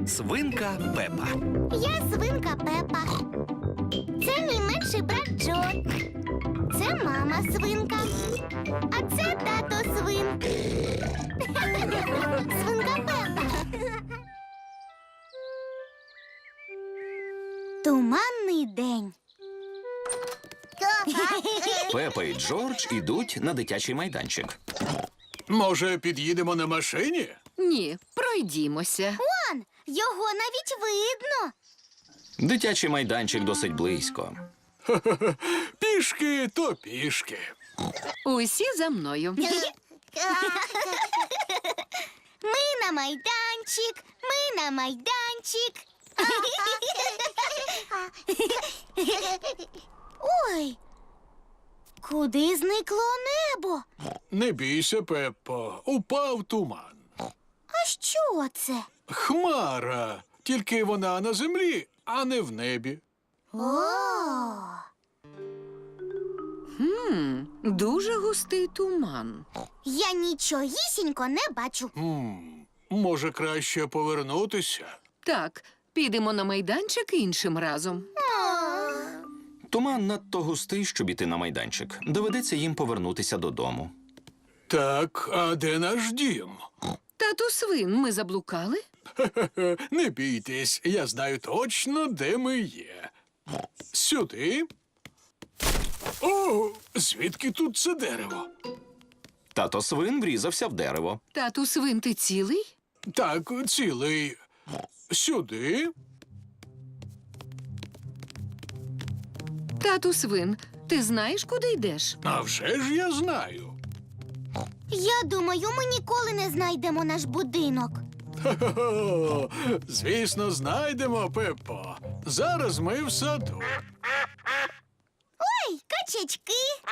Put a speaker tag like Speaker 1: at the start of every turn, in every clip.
Speaker 1: Свинка Пепа.
Speaker 2: Я свинка Пепа. Це мій менший брат Джо. Це мама свинка. А це тато свин. Свинка Пепа. Туманний день.
Speaker 1: Пепа і Джордж ідуть на дитячий майданчик.
Speaker 3: Може, під'їдемо на машині?
Speaker 4: Ні, пройдімося.
Speaker 2: Вон, його навіть видно.
Speaker 1: Дитячий майданчик досить близько.
Speaker 3: Пішки то пішки.
Speaker 4: Усі за мною.
Speaker 2: Ми на майданчик, ми на майданчик. Ой, куди зникло небо?
Speaker 3: Не бійся, Пеппо, упав туман.
Speaker 2: А що це?
Speaker 3: Хмара, тільки вона на землі, а не в небі.
Speaker 4: Дуже густий туман.
Speaker 2: Я нічогісінько не бачу.
Speaker 3: Може, краще повернутися?
Speaker 4: Так, підемо на майданчик іншим разом.
Speaker 1: Туман надто густий, щоб іти на майданчик. Доведеться їм повернутися додому.
Speaker 3: Так, а де наш дім?
Speaker 4: Тату свин, ми заблукали?
Speaker 3: Не бійтесь, я знаю точно, де ми є. Сюди. О, звідки тут це дерево?
Speaker 1: Тато свин врізався в дерево.
Speaker 4: Тату свин, ти цілий?
Speaker 3: Так, цілий. Сюди.
Speaker 4: Тату свин, ти знаєш, куди йдеш?
Speaker 3: А вже ж я знаю.
Speaker 2: Я думаю, ми ніколи не знайдемо наш будинок.
Speaker 3: Хо-хо-хо. Звісно, знайдемо, Пеппо. Зараз ми в саду.
Speaker 2: Ой, качечки.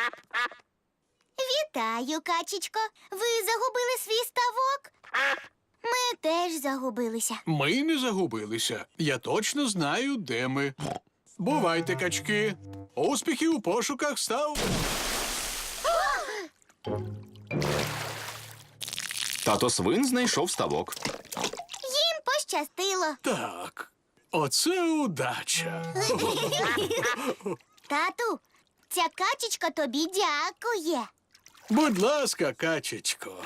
Speaker 2: Вітаю, качечко. Ви загубили свій ставок? Ми теж загубилися.
Speaker 3: Ми не загубилися. Я точно знаю, де ми. Бувайте, качки. Успіхів у пошуках став.
Speaker 1: Тато свин знайшов ставок.
Speaker 2: Їм пощастило.
Speaker 3: Так, оце удача.
Speaker 2: Тату, ця качечка тобі дякує.
Speaker 3: Будь ласка, качечко.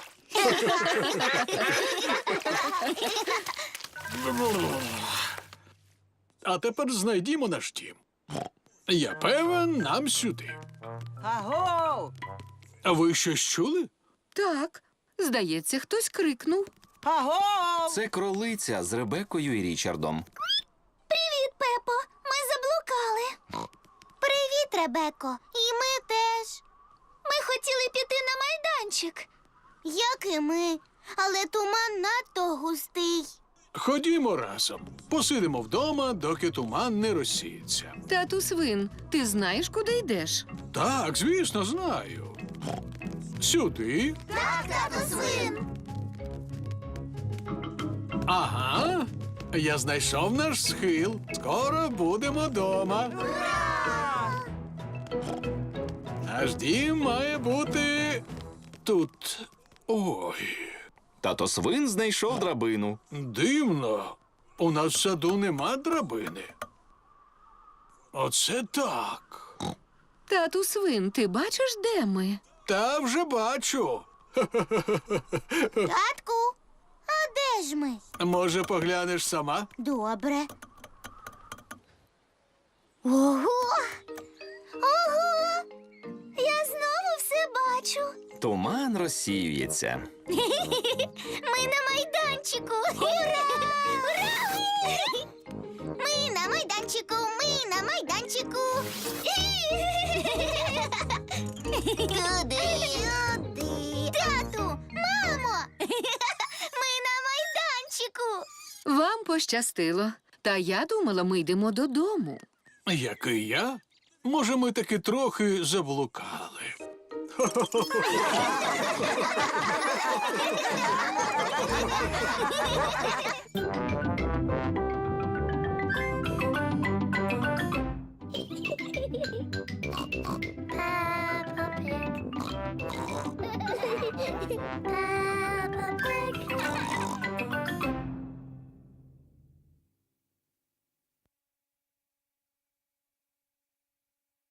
Speaker 3: А тепер знайдімо наш дім. Я певен, нам сюди.
Speaker 5: Аго!
Speaker 3: А ви щось чули?
Speaker 4: Так, здається, хтось крикнув.
Speaker 5: Аго!
Speaker 1: Це кролиця з Ребекою і Річардом.
Speaker 2: Привіт, Пепо. Ми заблукали. Привіт, Ребеко. І ми теж. Ми хотіли піти на майданчик. Як і ми. Але туман надто густий.
Speaker 3: Ходімо разом. Посидимо вдома, доки туман не розсіється.
Speaker 4: Тату свин, ти знаєш, куди йдеш?
Speaker 3: Так, звісно, знаю. Сюди.
Speaker 2: Так, тату свин.
Speaker 3: Ага. Я знайшов наш схил. Скоро будемо дома. Наш дім має бути тут. Ой,
Speaker 1: Тато свин знайшов драбину.
Speaker 3: дивно. У нас в саду нема драбини. Оце так.
Speaker 4: Тату свин, ти бачиш, де ми?
Speaker 3: Та вже бачу.
Speaker 2: Татку, а де ж ми?
Speaker 3: Може, поглянеш сама?
Speaker 2: Добре. Ого! Ого! Я знову все бачу.
Speaker 1: Туман розсіюється.
Speaker 2: Ми на майданчику. Ура! Ура! Ми на майданчику, ми на майданчику. Куди? Тату, мамо! Ми на майданчику.
Speaker 4: Вам пощастило. Та я думала, ми йдемо додому.
Speaker 3: Як і я? Може, ми таки трохи заблукали.